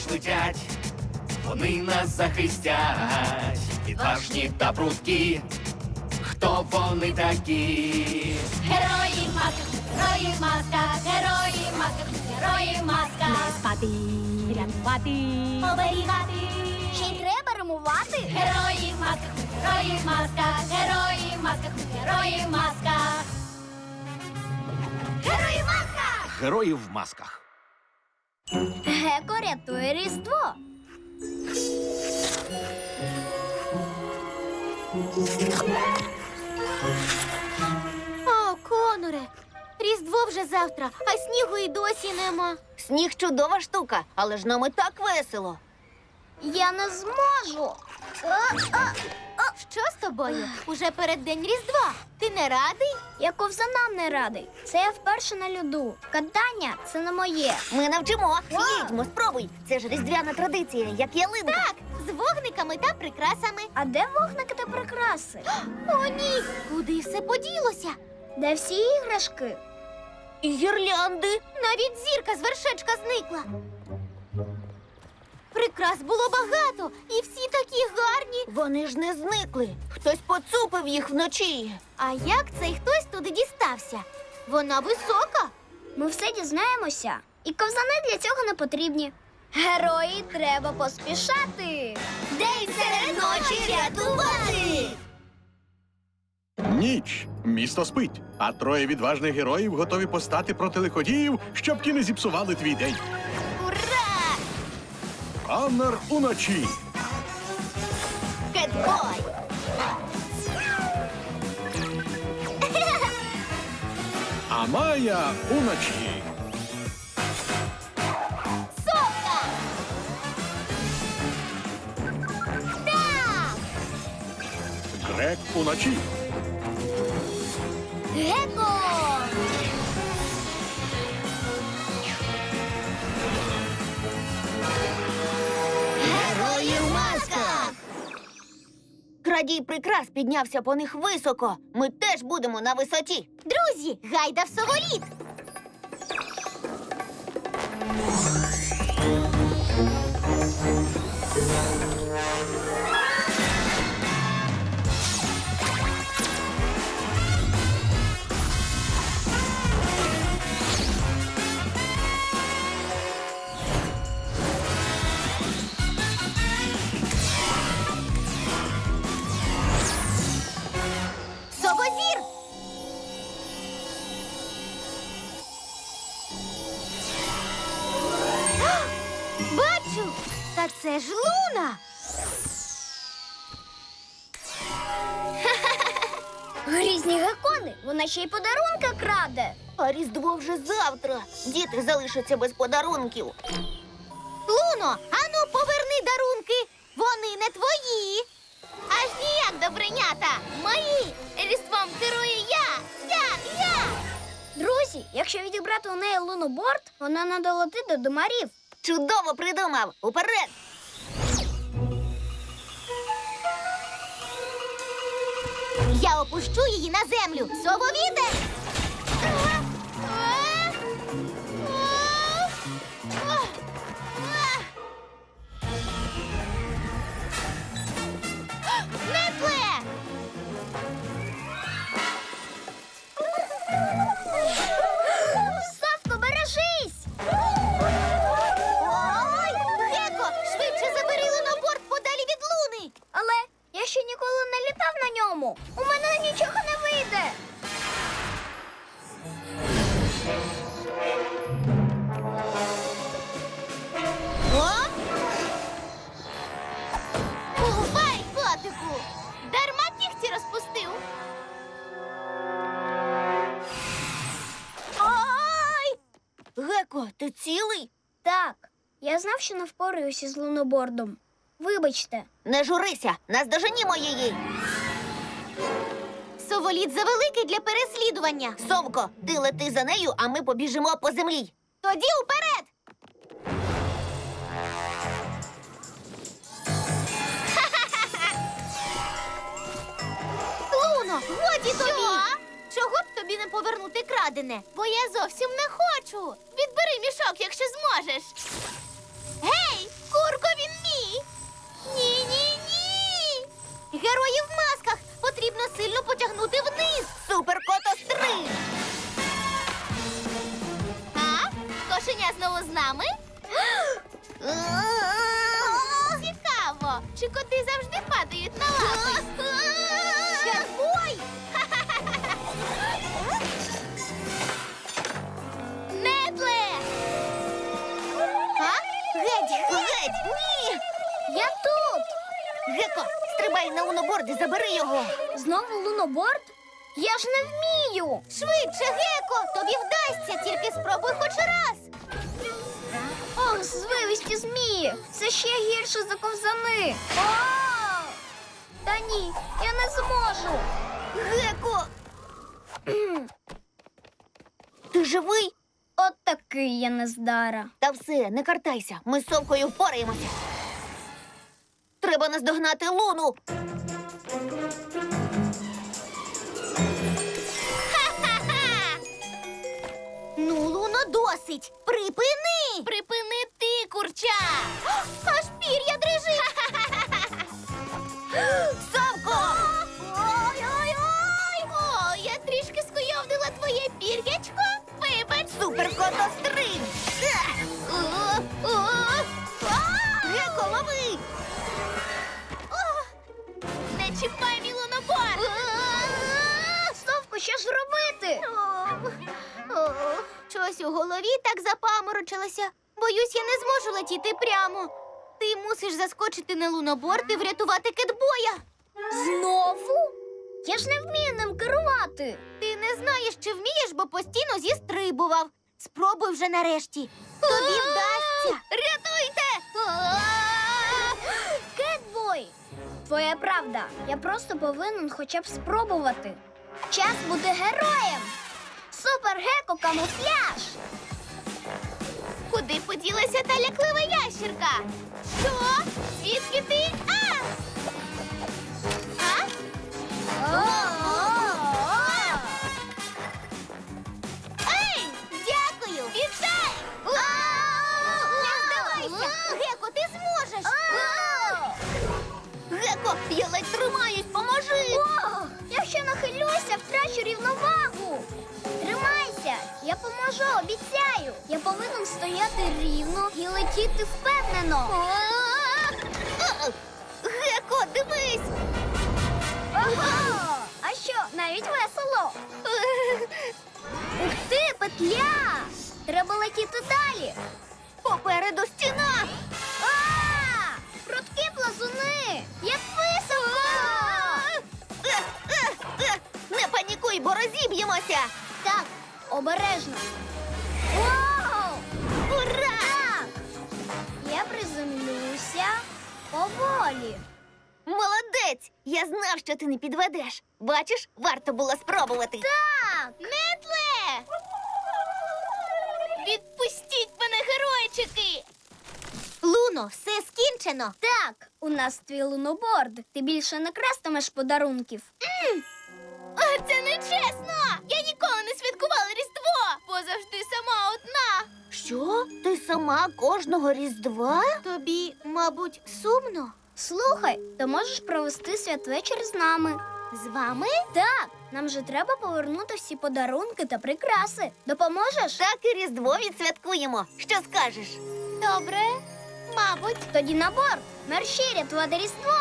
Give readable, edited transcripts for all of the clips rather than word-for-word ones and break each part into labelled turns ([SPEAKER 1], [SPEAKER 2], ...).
[SPEAKER 1] летять, вони нас захистять, відважні та прудкі. Хто вони такі?
[SPEAKER 2] Герої в масках, герої в масках, герої в масках, герої в масках.
[SPEAKER 3] Не спати, рятувати.
[SPEAKER 2] Оберігати.
[SPEAKER 3] Ще й треба римувати.
[SPEAKER 2] Герої в масках, герої в масках, герої в масках, герої в масках. Герої в масках!
[SPEAKER 1] Герої в масках.
[SPEAKER 3] Геко рятує Різдво.
[SPEAKER 2] О, Коноре, Різдво вже завтра, а снігу і досі нема.
[SPEAKER 4] Сніг чудова штука, але ж нам і так весело.
[SPEAKER 3] Я не зможу.
[SPEAKER 2] Що з тобою? Уже переддень Різдва. Ти не радий?
[SPEAKER 3] Я ковзанам не радий. Це я вперше на льоду. Катання – це не моє.
[SPEAKER 4] Ми навчимо. Їдьмо, спробуй. Це ж різдвяна традиція, як ялинка.
[SPEAKER 2] Так, з вогниками та прикрасами.
[SPEAKER 3] А де вогники та прикраси?
[SPEAKER 2] О, ні! Куди все поділося?
[SPEAKER 3] Де всі іграшки?
[SPEAKER 4] І гірлянди.
[SPEAKER 2] Навіть зірка з вершечка зникла. Прикрас було багато, і всі такі гарні.
[SPEAKER 4] Вони ж не зникли. Хтось поцупив їх вночі.
[SPEAKER 2] А як цей хтось туди дістався? Вона висока.
[SPEAKER 3] Ми все дізнаємося. І ковзани для цього не потрібні. Герої треба поспішати.
[SPEAKER 4] День серед ночі рятувати.
[SPEAKER 5] Ніч. Місто спить, а троє відважних героїв готові постати проти лиходіїв, щоб ті не зіпсували твій день.
[SPEAKER 2] Ура!
[SPEAKER 5] Коннор уночі.
[SPEAKER 4] Кетбой.
[SPEAKER 5] А Майя уночі.
[SPEAKER 2] Совка! Так!
[SPEAKER 5] Грек уночі.
[SPEAKER 2] Геко!
[SPEAKER 4] Герої в масках. Крадій прикрас піднявся по них високо. Ми теж будемо на висоті.
[SPEAKER 2] Друзі, гайда в Соволіт! Совозір! А! Бачу! Та це ж Луна!
[SPEAKER 3] Грізні гекони, вона ще й подарунки краде.
[SPEAKER 4] А Різдво вже завтра. Діти залишаться без подарунків.
[SPEAKER 2] Луно, ану поверни дарунки! Вони не твої! Аж ніяк, добринята! Мої! Різдвом керую я!
[SPEAKER 3] Друзі, якщо відібрати у неї луноборд, вона не долетить до домарів.
[SPEAKER 4] Чудово придумав. Уперед!
[SPEAKER 2] Я опущу її на землю! Сововітер! Нетле!
[SPEAKER 3] Совко, бережись!
[SPEAKER 2] Ой! Геко, швидше забери луноборд подалі від луни!
[SPEAKER 3] Але я ще ніколи не літав на ньому. У мене нічого не вийде.
[SPEAKER 2] О! Бувай, котику! Дарма кігті розпустив. Ой!
[SPEAKER 4] Геко, ти цілий?
[SPEAKER 3] Так, я знав, що не впораюся з лунобордом. Вибачте.
[SPEAKER 4] Не журися, наздоженімо її.
[SPEAKER 2] Соволіт завеликий для переслідування.
[SPEAKER 4] Совко, ти лети за нею, а ми побіжимо по землі.
[SPEAKER 2] Тоді уперед! Луно, годі тобі! Чого б тобі не повернути крадене? Бо я зовсім не хочу. Відбери мішок, якщо зможеш. Гей! Герої в масках! Потрібно сильно потягнути вниз!
[SPEAKER 4] Суперкотострим!
[SPEAKER 2] А? Кошеня знову з нами? Цікаво, чи коти завжди падають на лапи? Герой! Недле!
[SPEAKER 4] А? Геть! Ні!
[SPEAKER 3] Я тут!
[SPEAKER 4] Геко, стрибай на луноборд і забери його!
[SPEAKER 3] Знову луноборд? Я ж не вмію!
[SPEAKER 2] Швидше, Геко! Тобі вдасться, тільки спробуй хоч раз!
[SPEAKER 3] Ох, звивисті змії! Це ще гірше за ковзани! О! Та ні, я не зможу!
[SPEAKER 4] Геко! Ти живий?
[SPEAKER 3] От такий я нездара.
[SPEAKER 4] Та все, не картайся. Ми з совкою впораємося. Треба наздогнати Луну.
[SPEAKER 2] Ха-ха-ха! Ну, Луно, досить! Припини! Припини ти, курча! Аж пір'я дрижить!
[SPEAKER 4] Совко!
[SPEAKER 2] Ой-ой-ой! О, я трішки скуйовдила твоє пір'ячко. Вибач!
[SPEAKER 4] Суперкотострим! Геко, лови!
[SPEAKER 2] Не чіпай мій луноборд!
[SPEAKER 3] Совко, що ж робити?
[SPEAKER 2] Щось у голові так запаморочилося. Боюсь, я не зможу летіти прямо. Ти мусиш заскочити на луноборд і врятувати кетбоя.
[SPEAKER 3] Знову? Я ж не вмію ним керувати.
[SPEAKER 2] Ти не знаєш, чи вмієш, бо постійно зістрибував. Спробуй вже нарешті. Тобі вдасться. Рятуйте!
[SPEAKER 3] Кетбой! Твоя правда. Я просто повинен хоча б спробувати. Час бути героєм. Супер-геко камуфляж!
[SPEAKER 2] Куди поділася та ляклива ящірка? Що? Звідки ти? Ей! Дякую! Вітай! Не здавайся! Геко, ти зможеш!
[SPEAKER 4] Геко, я ледь тримаюсь, поможи!
[SPEAKER 3] О, якщо нахилюся, втрачу рівновагу. Тримайся, я поможу, обіцяю. Я повинен стояти рівно і летіти впевнено.
[SPEAKER 4] Геко, дивись!
[SPEAKER 3] Ого! А що, навіть весело? Ух ти, петля! Треба летіти далі.
[SPEAKER 4] Попереду стіна!
[SPEAKER 3] А! Прудкі плазуни! Як високо!
[SPEAKER 4] Не панікуй, бо розіб'ємося!
[SPEAKER 3] Так, обережно. Вау!
[SPEAKER 4] Ура!
[SPEAKER 3] Так! Я приземлюся поволі.
[SPEAKER 4] Молодець! Я знав, що ти не підведеш. Бачиш, варто було спробувати.
[SPEAKER 3] Так!
[SPEAKER 2] Нетле! Відпустіть мене, геройчики! Луно, все скінчено.
[SPEAKER 3] Так, у нас твій луноборд. Ти більше не крастимеш подарунків.
[SPEAKER 2] Це не чесно! Я ніколи не святкувала Різдво, бо завжди сама одна.
[SPEAKER 4] Що? Ти сама кожного Різдва?
[SPEAKER 2] Тобі, мабуть, сумно?
[SPEAKER 3] Слухай, ти можеш провести святвечір з нами.
[SPEAKER 2] З вами?
[SPEAKER 3] Так, нам же треба повернути всі подарунки та прикраси. Допоможеш?
[SPEAKER 4] Так і Різдво відсвяткуємо. Що скажеш?
[SPEAKER 2] Добре, мабуть.
[SPEAKER 3] Тоді на борт. Мерщій рятувати Різдво.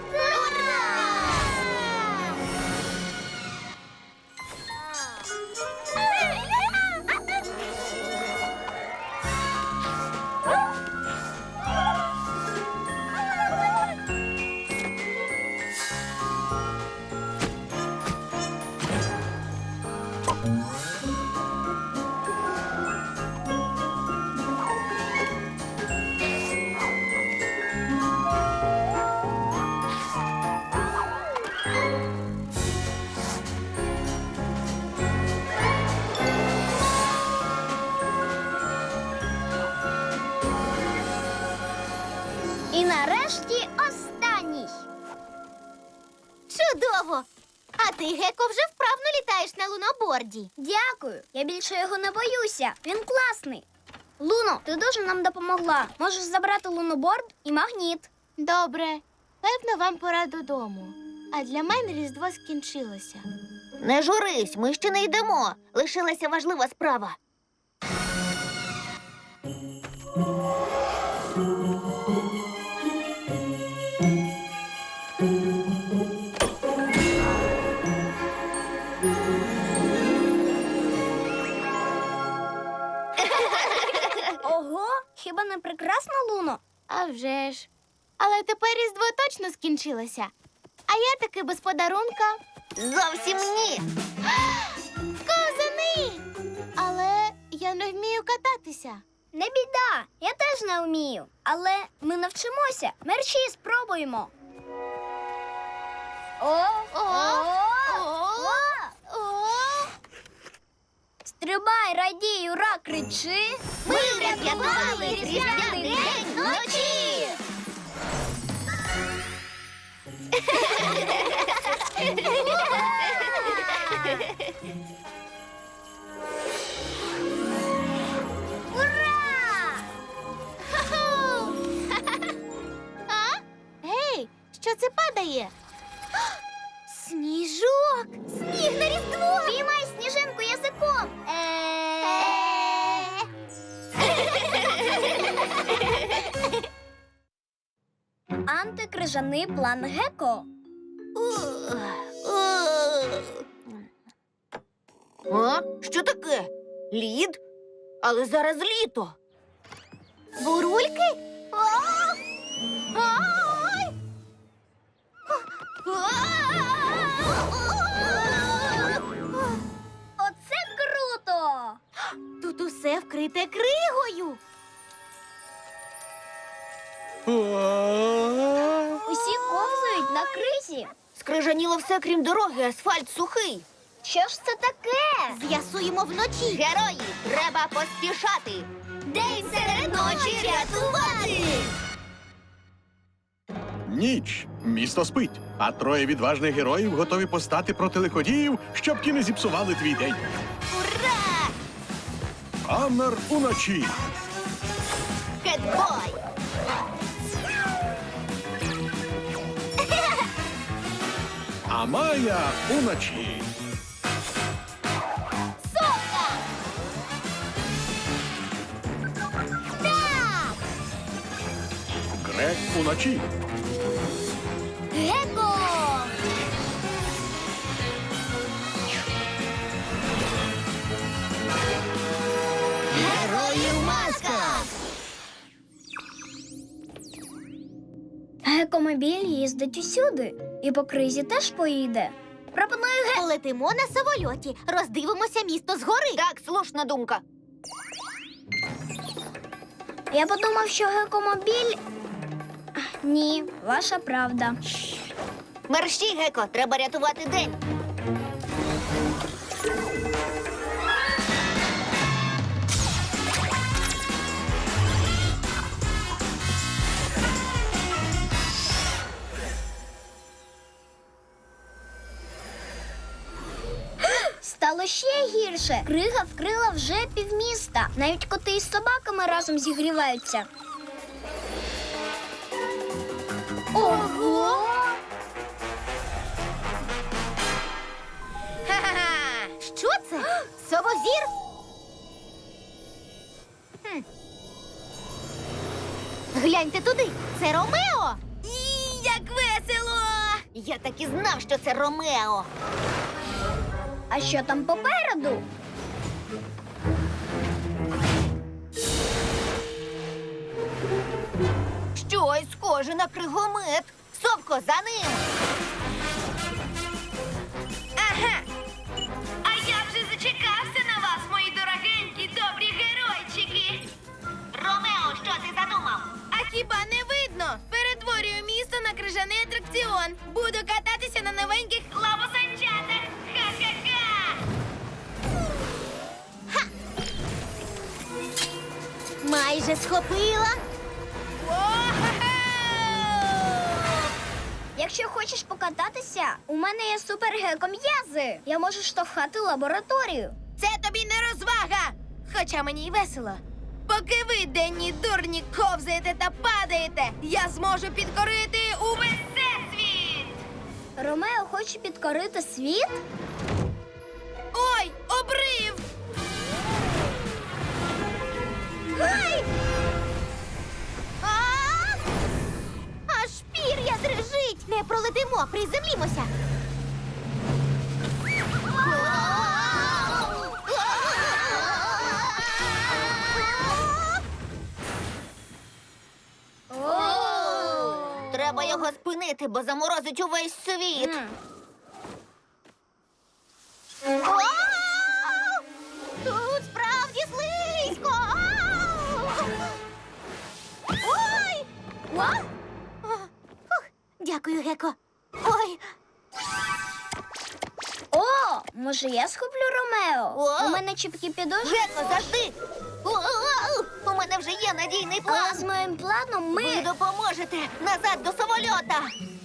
[SPEAKER 3] І нарешті останній.
[SPEAKER 2] Чудово! А ти, Геко, вже вправно літаєш на луноборді.
[SPEAKER 3] Дякую. Я більше його не боюся. Він класний. Луно, ти дуже нам допомогла. Можеш забрати луноборд і магніт.
[SPEAKER 2] Добре. Певно, вам пора додому. А для мене Різдво скінчилося.
[SPEAKER 4] Не журись, ми ще не йдемо. Лишилася важлива справа.
[SPEAKER 3] Ого, хіба не прекрасно, Луно?
[SPEAKER 2] А вже ж. Але тепер Різдво точно скінчилося. А я таки без подарунка.
[SPEAKER 4] Зовсім ні.
[SPEAKER 2] Козани! Але я не вмію кататися.
[SPEAKER 3] Не біда, я теж не вмію. Але ми навчимося. Мерщій спробуємо. О! Стрибай, радій, ура, кричи.
[SPEAKER 4] Ми врятували різдвяний день вночі!
[SPEAKER 3] Ура!
[SPEAKER 2] А? Гей, що це падає? Сніжок! Сніг на Різдво!
[SPEAKER 3] Піймай сніжинку язиком. Антикрижаний план Геко.
[SPEAKER 4] А? Що таке? Лід? Але зараз літо.
[SPEAKER 2] Бурульки?
[SPEAKER 3] Оце круто!
[SPEAKER 2] Тут усе вкрите кригою.
[SPEAKER 3] Усі ковзають на кризі.
[SPEAKER 4] Скрижаніло все, крім дороги, асфальт сухий.
[SPEAKER 3] Що ж це таке?
[SPEAKER 2] З'ясуємо вночі.
[SPEAKER 4] Герої, треба поспішати.
[SPEAKER 3] День серед ночі рятувати!
[SPEAKER 5] Ніч. Місто спить, а троє відважних героїв готові постати проти лиходіїв, щоб ті не зіпсували твій день.
[SPEAKER 4] Ура!
[SPEAKER 5] Амер уночі.
[SPEAKER 4] Кетбой!
[SPEAKER 5] А Майя уночі.
[SPEAKER 3] Сока! Так!
[SPEAKER 5] Грек уночі.
[SPEAKER 3] Геко!
[SPEAKER 4] Герої в масках!
[SPEAKER 3] Гекомобіль їздить усюди. І по кризі теж поїде. Пропоную
[SPEAKER 2] Полетимо на самольоті, роздивимося місто згори.
[SPEAKER 4] Так, слушна думка.
[SPEAKER 3] Я подумав, що гекомобіль. Ні, ваша правда.
[SPEAKER 4] Мерщій, Геко, треба рятувати день.
[SPEAKER 3] Стало ще гірше. Крига вкрила вже півміста. Навіть коти із собаками разом зігріваються. Ого!
[SPEAKER 2] Ха-ха-ха! Що це? Совозір? Гляньте туди, це Ромео. Як весело!
[SPEAKER 4] Я так і знав, що це Ромео.
[SPEAKER 3] А що там попереду?
[SPEAKER 4] Щось схоже на кригомет. Совко, за ним.
[SPEAKER 2] Ага. А я вже зачекався на вас, мої дорогенькі, добрі геройчики.
[SPEAKER 4] Ромео, що ти задумав?
[SPEAKER 2] А хіба не видно? Перетворюю місто на крижаний атракціон. Буду кататися на новеньких лавосанчатах. Ха-ха-ха! Майже схопила.
[SPEAKER 3] Якщо хочеш покататися, у мене є супергеком'язи. Я можу штовхати лабораторію.
[SPEAKER 2] Це тобі не розвага. Хоча мені й весело.
[SPEAKER 6] Поки ви, денні дурні, ковзаєте та падаєте, я зможу підкорити увесь всесвіт!
[SPEAKER 3] Ромео хоче підкорити світ?
[SPEAKER 6] Ой, обрив!
[SPEAKER 3] Ай!
[SPEAKER 2] Аж пір'я дрижить! Не пролетимо, приземлімося!
[SPEAKER 4] Треба його спинити, бо заморозить увесь світ.
[SPEAKER 2] Вау! Тут справді слизько! Ой! Фух, дякую, Геко. Ой,
[SPEAKER 3] О, може я схоплю Ромео?
[SPEAKER 4] О!
[SPEAKER 3] У мене чіпкі підошви.
[SPEAKER 4] Геко, завжди! У мене вже є надійний
[SPEAKER 3] Але
[SPEAKER 4] план.
[SPEAKER 3] з моїм планом
[SPEAKER 4] Ви
[SPEAKER 3] ми...
[SPEAKER 4] допоможете назад до самольота.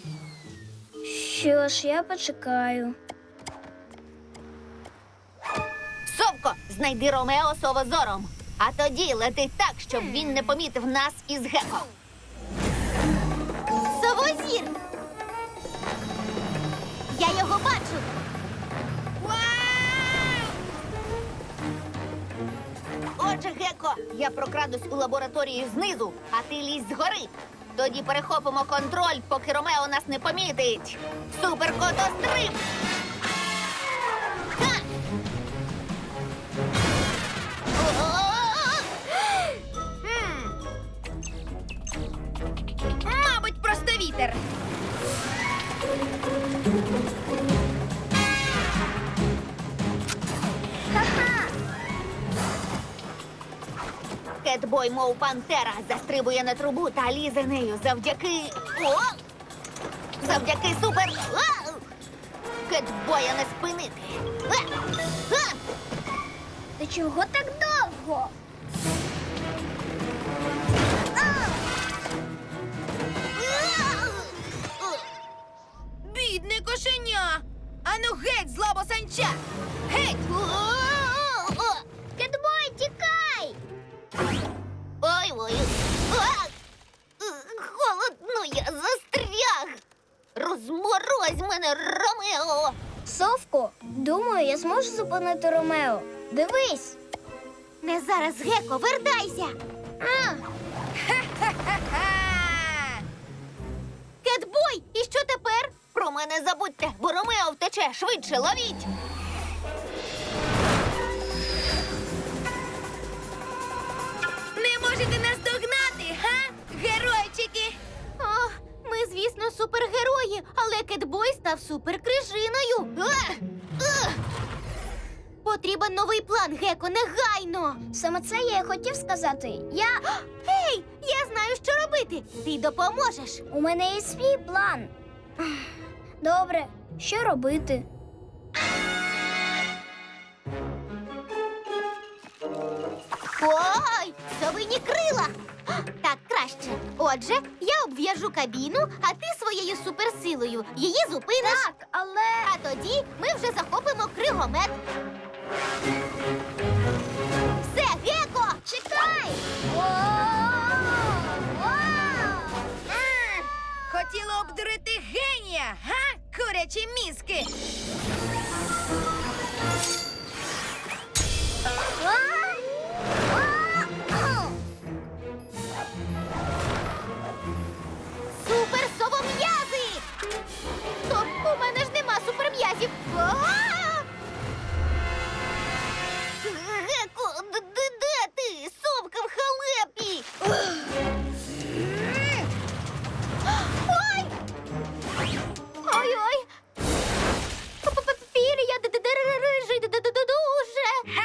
[SPEAKER 3] Що ж, я почекаю.
[SPEAKER 4] Совко, знайди Ромео совозором. А тоді лети так, щоб він не помітив нас із Геко.
[SPEAKER 2] совозір! Я його бачу!
[SPEAKER 4] Отже, Геко, я прокрадусь у лабораторію знизу, а ти лізь згори. Тоді перехопимо контроль, поки Ромео нас не помітить. Суперкотостриб! Ха!
[SPEAKER 6] Мабуть, просто вітер.
[SPEAKER 4] Кетбой, мов пантера, застрибує на трубу та лізе нею завдяки... О! Завдяки супер... А! Кетбоя не спинити. А!
[SPEAKER 3] Та чого так довго?
[SPEAKER 6] Бідне кошеня! Ану геть з лабосанча! Геть!
[SPEAKER 3] Кетбой, тікай!
[SPEAKER 4] Ой-ой. А! Холодно, я застряг. Розморозь мене, Ромео.
[SPEAKER 3] Совко, думаю, я зможу зупинити Ромео. Дивись.
[SPEAKER 2] Не зараз, Геко, вертайся!
[SPEAKER 6] Ха-ха!
[SPEAKER 2] Кетбой, і що тепер?
[SPEAKER 4] Про мене забудьте, бо Ромео втече. Швидше ловіть.
[SPEAKER 6] Не можете нас догнати, га? Геройчики!
[SPEAKER 2] О, ми, звісно, супергерої, але Кетбой став суперкрижиною. Потрібен новий план, Геко, негайно.
[SPEAKER 3] Саме це я і хотів сказати.
[SPEAKER 2] Ей, я знаю, що робити. Ти допоможеш.
[SPEAKER 3] У мене є свій план. Добре, що робити?
[SPEAKER 2] Ой, совині крила. Так, краще. Отже, я обв'яжу кабіну, а ти своєю суперсилою її зупиниш.
[SPEAKER 3] Так, але...
[SPEAKER 2] А тоді ми вже захопимо кригомет. Все, Геко!
[SPEAKER 3] Чекай!
[SPEAKER 6] Хотіла обдурити генія, га? Курячі мізки!
[SPEAKER 2] Супер совом'язи! Стоп, у мене ж нема суперм'язів.
[SPEAKER 4] Геко, де ти? Совка в халепі.
[SPEAKER 2] Ой! Ой-ой! Пір'я рижий дуже.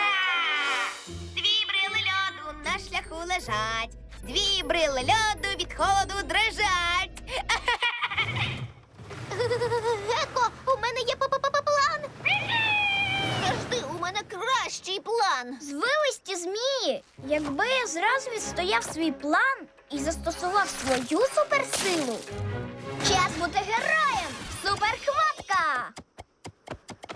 [SPEAKER 6] Дві брили льоду на шляху лежать. Дві брили льоду від холоду дрижать.
[SPEAKER 2] Геко, у мене є план.
[SPEAKER 4] Завжди у мене кращий план.
[SPEAKER 3] Звивисті змії! Якби я зразу відстояв свій план і застосував свою суперсилу. Час бути героєм! Суперхватка!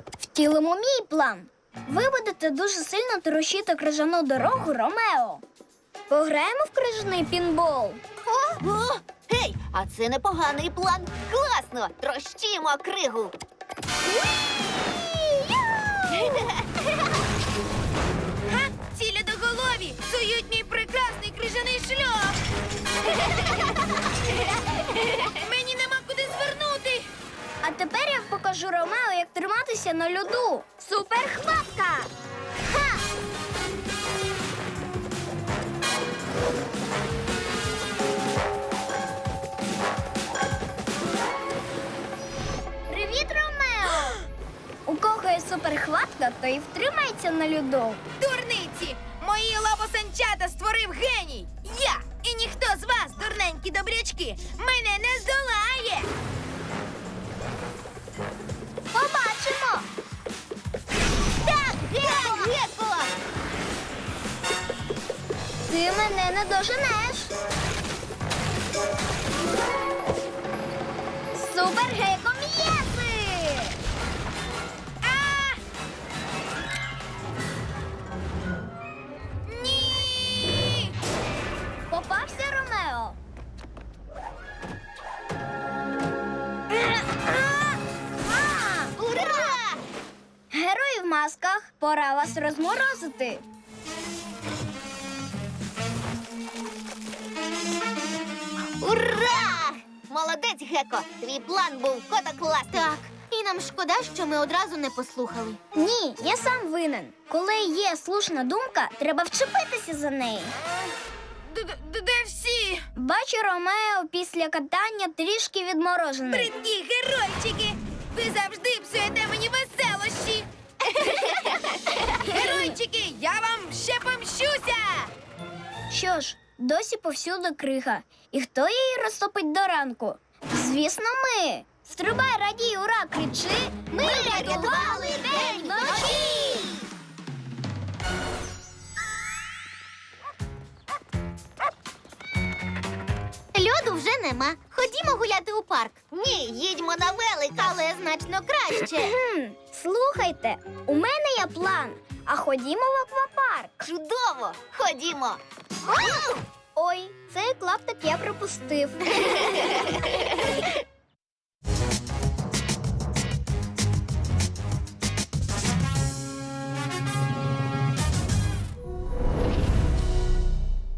[SPEAKER 3] Втілимо мій план. Ви будете дуже сильно трощити крижану дорогу Ромео. Пограємо в крижаний пінбол.
[SPEAKER 4] О, гей, а це непоганий план. Класно! Трощимо кригу.
[SPEAKER 6] Ха! Ці льодоголові псують мій прекрасний крижаний шлях. Мені нема куди звернути.
[SPEAKER 3] А тепер я покажу Ромео, як триматися на льоду. Суперхватка! Ха! Привіт, Ромео! У кого є суперхватка, той і втримається на льоду.
[SPEAKER 6] Дурниці! Мої лапосанчата створив геній! Я! І ніхто з вас, дурненькі добрячки, мене не здолає!
[SPEAKER 3] Побачимо!
[SPEAKER 4] Так, Геко!
[SPEAKER 3] Ти мене не доженеш. Супергеко м'єси!
[SPEAKER 6] А! Ні!
[SPEAKER 3] Попався, Ромео.
[SPEAKER 4] Ура!
[SPEAKER 3] Герої в масках, пора вас розморозити.
[SPEAKER 4] Ура! Молодець, Геко! Твій план був кота класний.
[SPEAKER 2] Так, і нам шкода, що ми одразу не послухали.
[SPEAKER 3] Ні, я сам винен. Коли є слушна думка, треба вчепитися за неї.
[SPEAKER 6] Де всі?
[SPEAKER 3] Бачу, Ромео після катання трішки відморожений.
[SPEAKER 6] Бридкі геройчики! Ви завжди псуєте мені веселощі! Геройчики, я вам ще помщуся!
[SPEAKER 3] Що ж, досі повсюди крига. І хто її розтопить до ранку? Звісно, ми. Стрибай, радій, ура, кричи. Ми рятували день вночі!
[SPEAKER 2] Льоду вже нема. Ходімо гуляти у парк.
[SPEAKER 4] Ні, їдьмо на велик.
[SPEAKER 2] Але значно краще.
[SPEAKER 3] Слухайте, у мене є план. А ходімо в аквапарк.
[SPEAKER 4] Чудово! Ходімо!
[SPEAKER 3] Ой, цей клаптик я пропустив.